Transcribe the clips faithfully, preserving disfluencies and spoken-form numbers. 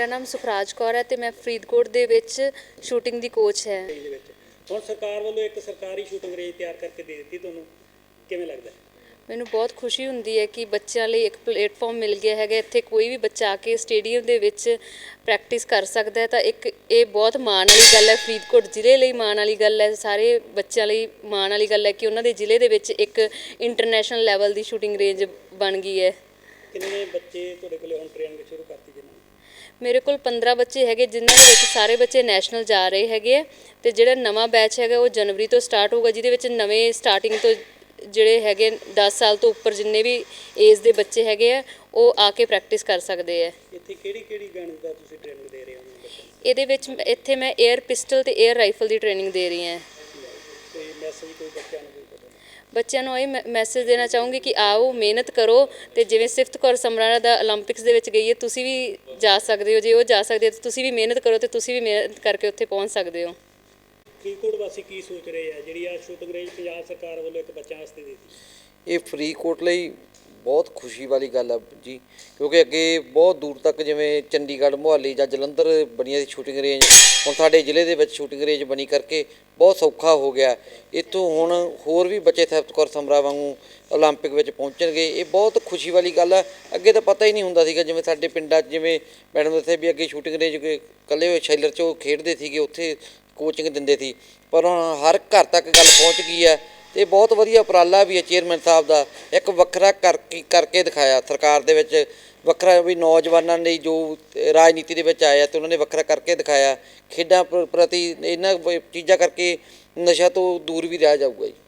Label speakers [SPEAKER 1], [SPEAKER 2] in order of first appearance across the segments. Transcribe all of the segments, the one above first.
[SPEAKER 1] ਨਾਮ ਸੁਖਰਾਜ ਕੌਰ ਹੈ ਤੇ ਮੈਂ ਫਰੀਦਕੋਟ ਦੇ ਵਿੱਚ ਸ਼ੂਟਿੰਗ ਦੀ ਕੋਚ ਹੈ।
[SPEAKER 2] ਹੁਣ ਸਰਕਾਰ ਵੱਲੋਂ ਇੱਕ ਸਰਕਾਰੀ ਸ਼ੂਟਿੰਗ ਰੇਂਜ ਤਿਆਰ ਕਰਕੇ ਦੇ ਦਿੱਤੀ, ਤੁਹਾਨੂੰ ਕਿਵੇਂ ਲੱਗਦਾ?
[SPEAKER 1] ਮੈਨੂੰ ਬਹੁਤ ਖੁਸ਼ੀ ਹੁੰਦੀ ਹੈ ਕਿ ਬੱਚਿਆਂ ਲਈ ਇੱਕ ਪਲੇਟਫਾਰਮ ਮਿਲ ਗਿਆ ਹੈਗਾ। ਇੱਥੇ ਕੋਈ ਵੀ ਬੱਚਾ ਆ ਕੇ ਸਟੇਡੀਅਮ ਦੇ ਵਿੱਚ ਪ੍ਰੈਕਟਿਸ ਕਰ ਸਕਦਾ ਹੈ, ਤਾਂ ਇੱਕ ਇਹ ਬਹੁਤ ਮਾਣ ਵਾਲੀ ਗੱਲ ਹੈ। ਫਰੀਦਕੋਟ ਜ਼ਿਲ੍ਹੇ ਲਈ ਮਾਣ ਵਾਲੀ ਗੱਲ ਹੈ, ਸਾਰੇ ਬੱਚਿਆਂ ਲਈ ਮਾਣ ਵਾਲੀ ਗੱਲ ਹੈ ਕਿ ਉਹਨਾਂ ਦੇ ਜ਼ਿਲ੍ਹੇ ਦੇ ਵਿੱਚ ਇੱਕ ਇੰਟਰਨੈਸ਼ਨਲ ਲੈਵਲ ਦੀ ਸ਼ੂਟਿੰਗ ਰੇਂਜ ਬਣ ਗਈ ਹੈ।
[SPEAKER 2] ਕਿੰਨੇ ਬੱਚੇ ਤੁਹਾਡੇ ਕੋਲ ਹੁਣ ਟ੍ਰੇਨਿੰਗ ਸ਼ੁਰੂ ਕਰਤੀ ਜੀ?
[SPEAKER 1] ਮੇਰੇ ਕੋਲ ਪੰਦਰਾਂ ਬੱਚੇ ਹੈਗੇ, ਜਿਨ੍ਹਾਂ ਦੇ ਵਿੱਚ ਸਾਰੇ ਬੱਚੇ ਨੈਸ਼ਨਲ ਜਾ ਰਹੇ ਹੈਗੇ ਆ, ਅਤੇ ਜਿਹੜਾ ਨਵਾਂ ਬੈਚ ਹੈਗਾ ਉਹ ਜਨਵਰੀ ਤੋਂ ਸਟਾਰਟ ਹੋਊਗਾ, ਜਿਹਦੇ ਵਿੱਚ ਨਵੇਂ ਸਟਾਰਟਿੰਗ ਤੋਂ ਜਿਹੜੇ ਹੈਗੇ ਦਸ ਸਾਲ ਤੋਂ ਉੱਪਰ ਜਿੰਨੇ ਵੀ ਏਜ ਦੇ ਬੱਚੇ ਹੈਗੇ ਆ ਉਹ ਆ ਕੇ ਪ੍ਰੈਕਟਿਸ ਕਰ ਸਕਦੇ ਆ।
[SPEAKER 2] ਇੱਥੇ ਕਿਹੜੀ ਕਿਹੜੀ ਗਨ ਦਾ ਤੁਸੀਂ ਟ੍ਰੇਨਿੰਗ ਦੇ ਰਹੇ ਹੋ?
[SPEAKER 1] ਇਹਦੇ ਵਿੱਚ ਇੱਥੇ ਮੈਂ ਏਅਰ ਪਿਸਟਲ ਅਤੇ ਏਅਰ ਰਾਈਫਲ ਦੀ ਟ੍ਰੇਨਿੰਗ ਦੇ ਰਹੀ ਹਾਂ।
[SPEAKER 2] ਕੋਈ ਮੈਸੇਜ ਕੋਈ ਬੱਚਿਆਂ ਨੂੰ?
[SPEAKER 1] ਬੱਚਿਆਂ ਨੂੰ ਇਹ ਮੈਸੇਜ ਦੇਣਾ ਚਾਹੂੰਗੀ ਕਿ ਆਓ, ਮਿਹਨਤ ਕਰੋ, ਅਤੇ ਜਿਵੇਂ ਸਿਫਤ ਕੌਰ ਸਮਰਾਲਾ ਦਾ ਓਲੰਪਿਕਸ ਦੇ ਵਿੱਚ ਗਈ ਹੈ, ਤੁਸੀਂ ਵੀ ਜਾ ਸਕਦੇ ਹੋ। ਜੇ ਉਹ ਜਾ ਸਕਦੇ ਹੋ ਤੁਸੀਂ ਵੀ ਮਿਹਨਤ ਕਰੋ ਅਤੇ ਤੁਸੀਂ ਵੀ ਮਿਹਨਤ ਕਰਕੇ ਉੱਥੇ ਪਹੁੰਚ ਸਕਦੇ ਹੋ।
[SPEAKER 2] ਫਰੀਦਕੋਟ ਵਾਸੀ ਕੀ ਸੋਚ ਰਹੇ ਆ ਜਿਹੜੀ ਆ ਸ਼ੂਟਿੰਗ ਰੇਂਜ ਪੰਜਾਬ ਸਰਕਾਰ ਵੱਲੋਂ ਇੱਕ ਬੱਚਿਆਂ ਵਾਸਤੇ ਦੇ ਦਿੱਤੀ?
[SPEAKER 3] ਇਹ ਫਰੀਦਕੋਟ ਲਈ ਬਹੁਤ ਖੁਸ਼ੀ ਵਾਲੀ ਗੱਲ ਆ ਜੀ, ਕਿਉਂਕਿ ਅੱਗੇ ਬਹੁਤ ਦੂਰ ਤੱਕ ਜਿਵੇਂ ਚੰਡੀਗੜ੍ਹ, ਮੁਹਾਲੀ ਜਾਂ ਜਲੰਧਰ ਬਣੀਆਂ ਸੀ ਸ਼ੂਟਿੰਗ ਰੇਂਜ, ਹੁਣ ਸਾਡੇ ਜ਼ਿਲ੍ਹੇ ਦੇ ਵਿੱਚ ਸ਼ੂਟਿੰਗ ਰੇਂਜ ਬਣੀ ਕਰਕੇ ਬਹੁਤ ਸੌਖਾ ਹੋ ਗਿਆ। ਇੱਥੋਂ ਹੁਣ ਹੋਰ ਵੀ ਬੱਚੇ ਸਿਫਤ ਕੌਰ ਸਮਰਾ ਵਾਂਗੂ ਓਲੰਪਿਕ ਵਿੱਚ ਪਹੁੰਚਣਗੇ, ਇਹ ਬਹੁਤ ਖੁਸ਼ੀ ਵਾਲੀ ਗੱਲ ਆ। ਅੱਗੇ ਤਾਂ ਪਤਾ ਹੀ ਨਹੀਂ ਹੁੰਦਾ ਸੀਗਾ, ਜਿਵੇਂ ਸਾਡੇ ਪਿੰਡਾਂ 'ਚ ਜਿਵੇਂ ਮੈਡਮ ਦੱਸਿਆ ਵੀ ਅੱਗੇ ਸ਼ੂਟਿੰਗ ਰੇਂਜ ਇਕੱਲੇ ਹੋਏ ਸ਼ੈਲਰ 'ਚ ਉਹ ਖੇਡਦੇ ਸੀਗੇ, ਉੱਥੇ ਕੋਚਿੰਗ ਦਿੰਦੇ ਸੀ, ਪਰ ਹੁਣ ਹਰ ਘਰ ਤੱਕ ਗੱਲ ਪਹੁੰਚ ਗਈ ਹੈ। ਅਤੇ ਬਹੁਤ ਵਧੀਆ ਉਪਰਾਲਾ ਵੀ ਹੈ ਚੇਅਰਮੈਨ ਸਾਹਿਬ ਦਾ, ਇੱਕ ਵੱਖਰਾ ਕਰਕੇ ਕਰਕੇ ਦਿਖਾਇਆ ਸਰਕਾਰ ਦੇ ਵਿੱਚ, ਵੱਖਰਾ ਵੀ ਨੌਜਵਾਨਾਂ ਲਈ ਜੋ ਰਾਜਨੀਤੀ ਦੇ ਵਿੱਚ ਆਇਆ ਅਤੇ ਉਹਨਾਂ ਨੇ ਵੱਖਰਾ ਕਰਕੇ ਦਿਖਾਇਆ। ਖੇਡਾਂ ਪ੍ਰ ਪ੍ਰਤੀ ਇਹਨਾਂ ਚੀਜ਼ਾਂ ਕਰਕੇ ਨਸ਼ਾ ਤੋਂ ਦੂਰ ਵੀ ਰਿਹਾ ਜਾਊਗਾ ਜੀ।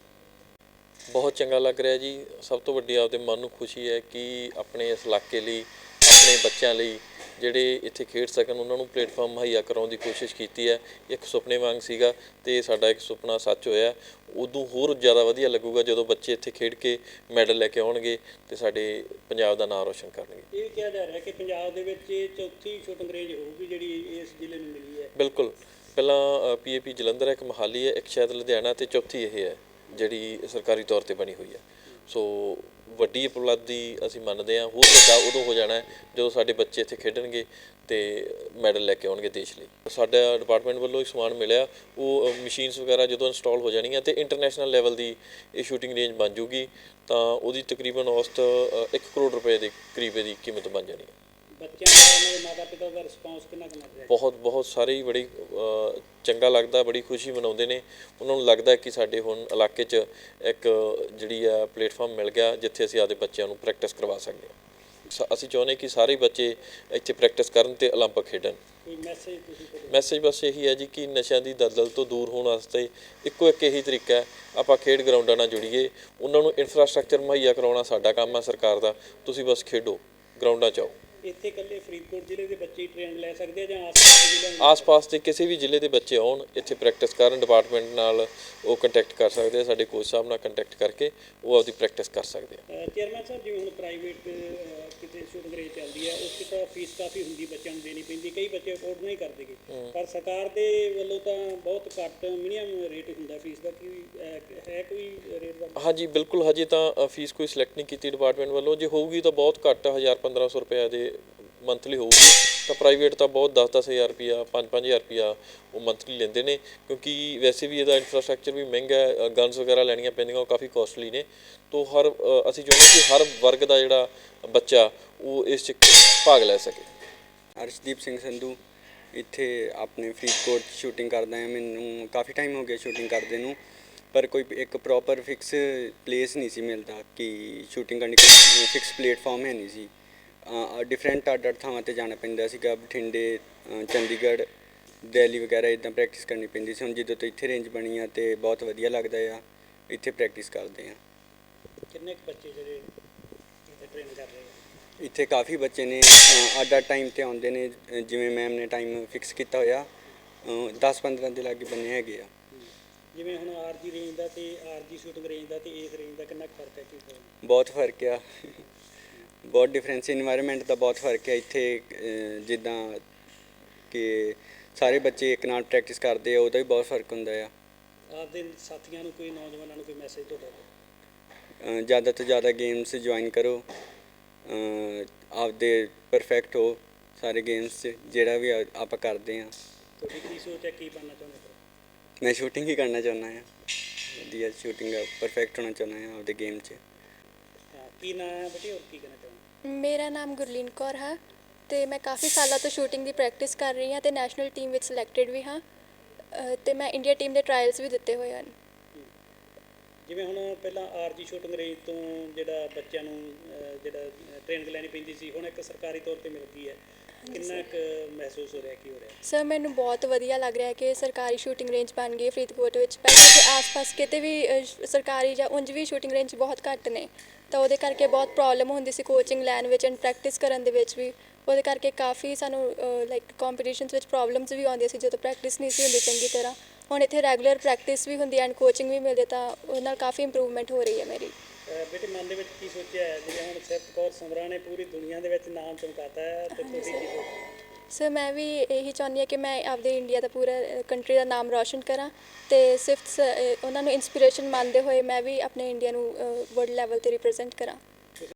[SPEAKER 4] ਬਹੁਤ ਚੰਗਾ ਲੱਗ ਰਿਹਾ ਜੀ। ਸਭ ਤੋਂ ਵੱਡੀ ਆਪਦੇ ਮਨ ਨੂੰ ਖੁਸ਼ੀ ਹੈ ਕਿ ਆਪਣੇ ਇਸ ਇਲਾਕੇ ਲਈ, ਆਪਣੇ ਬੱਚਿਆਂ ਲਈ ਜਿਹੜੇ ਇੱਥੇ ਖੇਡ ਸਕਣ, ਉਹਨਾਂ ਨੂੰ ਪਲੇਟਫਾਰਮ ਮੁਹੱਈਆ ਕਰਾਉਣ ਦੀ ਕੋਸ਼ਿਸ਼ ਕੀਤੀ ਹੈ। ਇੱਕ ਸੁਪਨੇ ਵਾਂਗ ਸੀਗਾ ਅਤੇ ਸਾਡਾ ਇੱਕ ਸੁਪਨਾ ਸੱਚ ਹੋਇਆ। ਉਦੋਂ ਹੋਰ ਜ਼ਿਆਦਾ ਵਧੀਆ ਲੱਗੂਗਾ ਜਦੋਂ ਬੱਚੇ ਇੱਥੇ ਖੇਡ ਕੇ ਮੈਡਲ ਲੈ ਕੇ ਆਉਣਗੇ ਅਤੇ ਸਾਡੇ ਪੰਜਾਬ ਦਾ ਨਾਂ ਰੋਸ਼ਨ ਕਰਨਗੇ।
[SPEAKER 2] ਇਹ ਕਿਹਾ ਜਾ ਰਿਹਾ ਕਿ ਪੰਜਾਬ ਦੇ ਵਿੱਚ ਇਹ ਚੌਥੀ ਸ਼ੂਟਿੰਗ ਰੇਂਜ ਹੋਊਗੀ ਜਿਹੜੀ ਇਸ ਜ਼ਿਲ੍ਹੇ ਨੂੰ ਮਿਲੀ ਹੈ।
[SPEAKER 4] ਬਿਲਕੁਲ, ਪਹਿਲਾਂ ਪੀ ਏ ਪੀ ਜਲੰਧਰ ਹੈ, ਇੱਕ ਮੋਹਾਲੀ ਹੈ, ਇੱਕ ਸ਼ਾਇਦ ਲੁਧਿਆਣਾ, ਅਤੇ ਚੌਥੀ ਇਹ ਹੈ ਜਿਹੜੀ ਸਰਕਾਰੀ ਤੌਰ 'ਤੇ ਬਣੀ ਹੋਈ ਹੈ। ਸੋ ਵੱਡੀ ਉਪਲਬਧੀ ਅਸੀਂ ਮੰਨਦੇ ਹਾਂ। ਹੋਰ ਵੱਡਾ ਉਦੋਂ ਹੋ ਜਾਣਾ ਜਦੋਂ ਸਾਡੇ ਬੱਚੇ ਇੱਥੇ ਖੇਡਣਗੇ ਅਤੇ ਮੈਡਲ ਲੈ ਕੇ ਆਉਣਗੇ ਦੇਸ਼ ਲਈ। ਸਾਡਾ ਡਿਪਾਰਟਮੈਂਟ ਵੱਲੋਂ ਇੱਕ ਸਮਾਨ ਮਿਲਿਆ, ਉਹ ਮਸ਼ੀਨਸ ਵਗੈਰਾ ਜਦੋਂ ਇੰਸਟਾਲ ਹੋ ਜਾਣੀਆਂ ਅਤੇ ਇੰਟਰਨੈਸ਼ਨਲ ਲੈਵਲ ਦੀ ਇਹ ਸ਼ੂਟਿੰਗ ਰੇਂਜ ਬਣ ਜੂਗੀ, ਤਾਂ ਉਹਦੀ ਤਕਰੀਬਨ ਔਸਤ ਇੱਕ ਕਰੋੜ ਰੁਪਏ ਦੇ ਕਰੀਬ ਦੀ ਕੀਮਤ ਬਣ ਜਾਣੀ ਹੈ।
[SPEAKER 2] ਬੱਚਿਆਂ ਦਾ, ਉਹਨਾਂ ਦੇ ਮਾਤਾ ਪਿਤਾ ਦਾ ਰਿਸਪੌਂਸ ਕਿੰਨਾ ਕੁ ਮਿਲ ਰਿਹਾ?
[SPEAKER 4] ਬਹੁਤ ਬਹੁਤ ਸਾਰੇ ਹੀ ਬੜੀ ਚੰਗਾ ਲੱਗਦਾ, ਬੜੀ ਖੁਸ਼ੀ ਮਨਾਉਂਦੇ ਨੇ। ਉਹਨਾਂ ਨੂੰ ਲੱਗਦਾ ਕਿ ਸਾਡੇ ਹੁਣ ਇਲਾਕੇ 'ਚ ਇੱਕ ਜਿਹੜੀ ਆ ਪਲੇਟਫਾਰਮ ਮਿਲ ਗਿਆ ਜਿੱਥੇ ਅਸੀਂ ਆਪਦੇ ਬੱਚਿਆਂ ਨੂੰ ਪ੍ਰੈਕਟਿਸ ਕਰਵਾ ਸਕਦੇ ਹਾਂ। ਅਸੀਂ ਚਾਹੁੰਦੇ ਕਿ ਸਾਰੇ ਬੱਚੇ ਇੱਥੇ ਪ੍ਰੈਕਟਿਸ ਕਰਨ ਅਤੇ ਓਲੰਪਿਕ ਖੇਡਣ।
[SPEAKER 2] ਕੋਈ ਮੈਸੇਜ ਤੁਸੀਂ?
[SPEAKER 4] ਮੈਸੇਜ ਬਸ ਇਹੀ ਹੈ ਜੀ ਕਿ ਨਸ਼ਿਆਂ ਦੀ ਦਲਦਲ ਤੋਂ ਦੂਰ ਹੋਣ ਵਾਸਤੇ ਇੱਕੋ ਇੱਕ ਇਹੀ ਤਰੀਕਾ ਹੈ, ਆਪਾਂ ਖੇਡ ਗਰਾਊਂਡਾਂ ਨਾਲ ਜੁੜੀਏ। ਉਹਨਾਂ ਨੂੰ ਇਨਫਰਾਸਟਰਕਚਰ ਮੁਹੱਈਆ ਕਰਵਾਉਣਾ ਸਾਡਾ ਕੰਮ ਹੈ ਸਰਕਾਰ ਦਾ। ਤੁਸੀਂ ਬਸ ਖੇਡੋ, ਗਰਾਊਂਡਾਂ 'ਚ ਆਓ।
[SPEAKER 2] ਇੱਥੇ ਇਕੱਲੇ ਫਰੀਦਕੋਟ ਜ਼ਿਲ੍ਹੇ ਦੇ ਬੱਚੇ ਟ੍ਰੇਨਿੰਗ ਲੈ ਸਕਦੇ ਆ ਜਾਂ ਆਸ-ਪਾਸ ਦੇ ਜ਼ਿਲ੍ਹਿਆਂ?
[SPEAKER 4] ਆਸ-ਪਾਸ ਦੇ ਕਿਸੇ ਵੀ ਜ਼ਿਲ੍ਹੇ ਦੇ ਬੱਚੇ ਆਉਣ, ਇੱਥੇ ਪ੍ਰੈਕਟਿਸ ਕਰਨ। ਡਿਪਾਰਟਮੈਂਟ ਨਾਲ ਉਹ ਕੰਟੈਕਟ ਕਰ ਸਕਦੇ ਆ, ਸਾਡੇ ਕੋਚ ਸਾਹਿਬ ਨਾਲ ਕੰਟੈਕਟ ਕਰਕੇ ਉਹ ਆਪਦੀ ਪ੍ਰੈਕਟਿਸ ਕਰ ਸਕਦੇ ਆ।
[SPEAKER 2] ਚੇਅਰਮੈਨ ਸਾਹਿਬ, ਜਿਵੇਂ ਹੁਣ ਪ੍ਰਾਈਵੇਟ ਕਿਤੇ ਸ਼ੂਟਿੰਗ ਰੇਂਜ ਚੱਲਦੀ ਹੈ, ਉਸ 'ਚ ਤਾਂ ਫੀਸ ਕਾਫੀ ਹੁੰਦੀ, ਬੱਚਿਆਂ ਨੂੰ ਦੇਣੀ ਪੈਂਦੀ, ਕਈ ਬੱਚੇ ਅਫੋਰਡ ਨਹੀਂ ਕਰਦੇ ਗੇ, ਪਰ ਸਰਕਾਰ ਦੇ ਵੱਲੋਂ ਤਾਂ ਬਹੁਤ ਘੱਟ ਮਿਨੀਮਮ ਰੇਟ ਹੁੰਦਾ ਫੀਸ ਦਾ। ਕੀ ਹੈ ਕੋਈ ਰੇਟ ਦਾ?
[SPEAKER 4] ਹਾਂਜੀ ਬਿਲਕੁਲ, ਹਜੇ ਤਾਂ ਫੀਸ ਕੋਈ ਸਿਲੈਕਟ ਨਹੀਂ ਕੀਤੀ ਡਿਪਾਰਟਮੈਂਟ ਵੱਲੋਂ। ਜੇ ਹੋਊਗੀ ਤਾਂ ਬਹੁਤ ਘੱਟ, ਹਜ਼ਾਰ ਪੰਦਰਾਂ ਸੌ ਰੁਪਇਆ ਦੇ ਮੰਥਲੀ ਹੋਊਗੀ। ਤਾਂ ਪ੍ਰਾਈਵੇਟ ਤਾਂ ਬਹੁਤ ਦਸ ਦਸ ਹਜ਼ਾਰ ਰੁਪਈਆ, ਪੰਜ ਪੰਜ ਹਜ਼ਾਰ ਰੁਪਈਆ ਉਹ ਮੰਥਲੀ ਲੈਂਦੇ ਨੇ, ਕਿਉਂਕਿ ਵੈਸੇ ਵੀ ਇਹਦਾ ਇਨਫਰਾਸਟਰਕਚਰ ਵੀ ਮਹਿੰਗਾ ਹੈ। ਗਨਸ ਵਗੈਰਾ ਲੈਣੀਆਂ ਪੈਂਦੀਆਂ, ਉਹ ਕਾਫੀ ਕੋਸਟਲੀ ਨੇ। ਤੋ ਹਰ ਅਸੀਂ ਚਾਹੁੰਦੇ ਕਿ ਹਰ ਵਰਗ ਦਾ ਜਿਹੜਾ ਬੱਚਾ ਉਹ ਇਸ 'ਚ ਭਾਗ ਲੈ ਸਕੇ।
[SPEAKER 5] ਅਰਸ਼ਦੀਪ ਸਿੰਘ ਸੰਧੂ ਇੱਥੇ ਆਪਣੇ ਫਰੀਦਕੋਟ ਸ਼ੂਟਿੰਗ ਕਰਦਾ ਹਾਂ। ਮੈਨੂੰ ਕਾਫੀ ਟਾਈਮ ਹੋ ਗਿਆ ਸ਼ੂਟਿੰਗ ਕਰਦੇ ਨੂੰ, ਪਰ ਕੋਈ ਇੱਕ ਪ੍ਰੋਪਰ ਫਿਕਸ ਪਲੇਸ ਨਹੀਂ ਸੀ ਮਿਲਦਾ ਕਿ ਸ਼ੂਟਿੰਗ ਕਰਨੀ, ਕੋਈ ਫਿਕਸ ਪਲੇਟਫਾਰਮ ਹੈ ਨਹੀਂ ਸੀ। ਡਿਫਰੈਂਟ ਅੱਡ ਅੱਡ ਥਾਵਾਂ 'ਤੇ ਜਾਣਾ ਪੈਂਦਾ ਸੀਗਾ, ਬਠਿੰਡੇ, ਚੰਡੀਗੜ੍ਹ, ਦਿੱਲੀ ਵਗੈਰਾ ਇੱਦਾਂ ਪ੍ਰੈਕਟਿਸ ਕਰਨੀ ਪੈਂਦੀ ਸੀ। ਹੁਣ ਜਦੋਂ ਤੋਂ ਇੱਥੇ ਰੇਂਜ ਬਣੀ ਆ ਅਤੇ ਬਹੁਤ ਵਧੀਆ ਲੱਗਦਾ ਆ, ਇੱਥੇ ਪ੍ਰੈਕਟਿਸ ਕਰਦੇ ਹਾਂ।
[SPEAKER 2] ਕਿੰਨੇ ਕੁ ਬੱਚੇ ਜਿਹੜੇ ਇੱਥੇ ਟ੍ਰੇਨ ਕਰ ਰਹੇ ਆ?
[SPEAKER 5] ਇੱਥੇ ਕਾਫੀ ਬੱਚੇ ਨੇ, ਅੱਡ ਅੱਡ ਟਾਈਮ 'ਤੇ ਆਉਂਦੇ ਨੇ। ਜਿਵੇਂ ਮੈਮ ਨੇ ਟਾਈਮ ਫਿਕਸ ਕੀਤਾ ਹੋਇਆ, ਦਸ ਪੰਦਰਾਂ ਦੇ ਲਾਗੇ ਬੰਨੇ ਹੈਗੇ ਆ।
[SPEAKER 2] ਜਿਵੇਂ ਹੁਣ ਆਰ ਜੀ ਰੇਂਜ ਦਾ ਅਤੇ ਆਰ ਜੀ ਸ਼ੂਟਿੰਗ ਰੇਂਜ ਦਾ ਅਤੇ ਇਸ ਰੇਂਜ ਦਾ ਕਿੰਨਾ ਕੁ ਫਰਕ ਹੈ? ਕੀ
[SPEAKER 5] ਬਹੁਤ ਫਰਕ ਆ, ਬਹੁਤ ਡਿਫਰੈਂਸ। ਇਨਵਾਇਰਮੈਂਟ ਦਾ ਬਹੁਤ ਫਰਕ ਹੈ ਇੱਥੇ। ਜਿੱਦਾਂ ਕਿ ਸਾਰੇ ਬੱਚੇ ਇੱਕ ਨਾਲ ਪ੍ਰੈਕਟਿਸ ਕਰਦੇ ਆ, ਉਹਦਾ ਵੀ ਬਹੁਤ ਫਰਕ ਹੁੰਦਾ ਆ।
[SPEAKER 2] ਆਪਦੇ ਸਾਥੀਆਂ ਨੂੰ, ਕੋਈ ਨੌਜਵਾਨਾਂ ਨੂੰ ਕੋਈ ਮੈਸੇਜ ਤੁਹਾਡਾ?
[SPEAKER 5] ਜ਼ਿਆਦਾ ਤੋਂ ਜ਼ਿਆਦਾ ਗੇਮਸ ਜੁਆਇਨ ਕਰੋ, ਆਪਦੇ ਪਰਫੈਕਟ ਹੋ, ਸਾਰੇ ਗੇਮਸ 'ਚ ਜਿਹੜਾ ਵੀ ਆ- ਆਪਾਂ ਕਰਦੇ ਹਾਂ।
[SPEAKER 2] ਤੁਹਾਡੀ ਕੀ ਸੋਚ ਹੈ, ਕੀ ਬਣਨਾ ਚਾਹੁੰਦੇ ਹੋ?
[SPEAKER 5] ਮੈਂ ਸ਼ੂਟਿੰਗ ਹੀ ਕਰਨਾ ਚਾਹੁੰਦਾ ਹਾਂ, ਵਧੀਆ ਸ਼ੂਟਿੰਗ ਪਰਫੈਕਟ ਹੋਣਾ ਚਾਹੁੰਦਾ ਹਾਂ ਆਪਦੇ ਗੇਮ 'ਚ।
[SPEAKER 2] ਹਾਂ, ਕੀ ਨਾਂ ਹੈ ਬੇਟੇ, ਹੋਰ ਕੀ ਕਹਿਣਾ ਚਾਹੁੰਦੇ?
[SPEAKER 6] ਮੇਰਾ ਨਾਮ ਗੁਰਲੀਨ ਕੌਰ ਹੈ ਤੇ ਮੈਂ ਕਾਫੀ ਸਾਲਾਂ ਤੋਂ ਸ਼ੂਟਿੰਗ ਦੀ ਪ੍ਰੈਕਟਿਸ ਕਰ ਰਹੀ ਹਾਂ ਤੇ ਨੈਸ਼ਨਲ ਟੀਮ ਵਿੱਚ ਸਿਲੈਕਟਡ ਵੀ ਹਾਂ ਅ, ਤੇ ਮੈਂ ਇੰਡੀਆ ਟੀਮ ਦੇ ਟਰਾਇਲਸ ਵੀ ਦਿੱਤੇ ਹੋਏ ਹਨ।
[SPEAKER 2] ਜਿਵੇਂ ਹੁਣ ਪਹਿਲਾਂ ਆਰਜੀ ਸ਼ੂਟਿੰਗ ਰੇਂਜ ਤੋਂ ਜਿਹੜਾ ਬੱਚਿਆਂ ਨੂੰ ਅਹ, ਜਿਹੜਾ ਟ੍ਰੇਨਿੰਗ ਲੈਣੀ ਪੈਂਦੀ ਸੀ, ਹੁਣ ਇੱਕ ਸਰਕਾਰੀ ਤੌਰ ਤੇ ਮਿਲਦੀ ਹੈ, ਕਿੰਨਾ ਕੁ ਮਹਿਸੂਸ ਹੋ ਰਿਹਾ, ਕੀ ਹੋ ਰਿਹਾ?
[SPEAKER 6] ਸਰ ਮੈਨੂੰ ਬਹੁਤ ਵਧੀਆ ਲੱਗ ਰਿਹਾ ਕਿ ਸਰਕਾਰੀ ਸ਼ੂਟਿੰਗ ਰੇਂਜ ਬਣ ਗਈ ਹੈ ਫਰੀਦਕੋਟ ਵਿੱਚ। ਪਹਿਲਾਂ ਤੇ ਆਸ-ਪਾਸ ਕਿਤੇ ਵੀ ਅ, ਸ਼- ਸਰਕਾਰੀ ਜਾਂ ਉਂਝ ਵੀ ਸ਼ੂਟਿੰਗ ਰੇਂਜ ਬਹੁਤ ਘੱਟ ਨੇ, ਤਾਂ ਉਹਦੇ ਕਰਕੇ ਬਹੁਤ ਪ੍ਰੋਬਲਮ ਹੁੰਦੀ ਸੀ ਕੋਚਿੰਗ ਲੈਣ ਵਿੱਚ ਐਂਡ ਪ੍ਰੈਕਟਿਸ ਕਰਨ ਦੇ ਵਿੱਚ ਵੀ। ਉਹਦੇ ਕਰਕੇ ਕਾਫੀ ਸਾਨੂੰ ਲਾਈਕ ਕੰਪੀਟੀਸ਼ਨਸ ਵਿੱਚ ਪ੍ਰੋਬਲਮਸ ਵੀ ਆਉਂਦੀਆਂ ਸੀ ਜਦੋਂ ਪ੍ਰੈਕਟਿਸ ਨਹੀਂ ਸੀ ਹੁੰਦੀ ਚੰਗੀ ਤਰ੍ਹਾਂ। ਹੁਣ ਇੱਥੇ ਰੈਗੂਲਰ ਪ੍ਰੈਕਟਿਸ ਵੀ ਹੁੰਦੀ ਐਂਡ ਕੋਚਿੰਗ ਵੀ ਮਿਲਦੀ, ਤਾਂ ਉਹਦੇ ਨਾਲ ਕਾਫੀ ਇੰਪਰੂਵਮੈਂਟ ਹੋ ਰਹੀ ਹੈ ਮੇਰੀ।
[SPEAKER 2] ਅਹ, ਬੇਟੇ ਮਨ ਦੇ ਵਿੱਚ ਕੀ ਸੋਚਿਆ ਹੈ? ਜਿਵੇਂ ਹੁਣ ਸਿਫਤ ਕੌਰ ਸਮਰਾ ਨੇ ਪੂਰੀ ਦੁਨੀਆ ਦੇ ਵਿੱਚ ਨਾਮ ਚਮਕਾਤਾ ਹੈ, ਤੇ ਤੁਸੀਂ ਕੀ ਸੋਚਦੇ?
[SPEAKER 6] ਸਰ ਮੈਂ ਵੀ ਇਹੀ ਚਾਹੁੰਦੀ ਹਾਂ ਕਿ ਮੈਂ ਆਪਦੇ ਇੰਡੀਆ ਦਾ ਪੂਰਾ ਕੰਟਰੀ ਦਾ ਨਾਮ ਰੌਸ਼ਨ ਕਰਾਂ ਤੇ ਸਿਰਫ ਸ- ਅ, ਉਹਨਾਂ ਨੂੰ ਇਨਸਪੀਰੇਸ਼ਨ ਮੰਨਦੇ ਹੋਏ ਮੈਂ ਵੀ ਆਪਣੇ ਇੰਡੀਆ ਨੂੰ ਵਰਲਡ ਲੈਵਲ ਤੇ ਰਿਪਰੈਜ਼ੈਂਟ ਕਰਾਂ।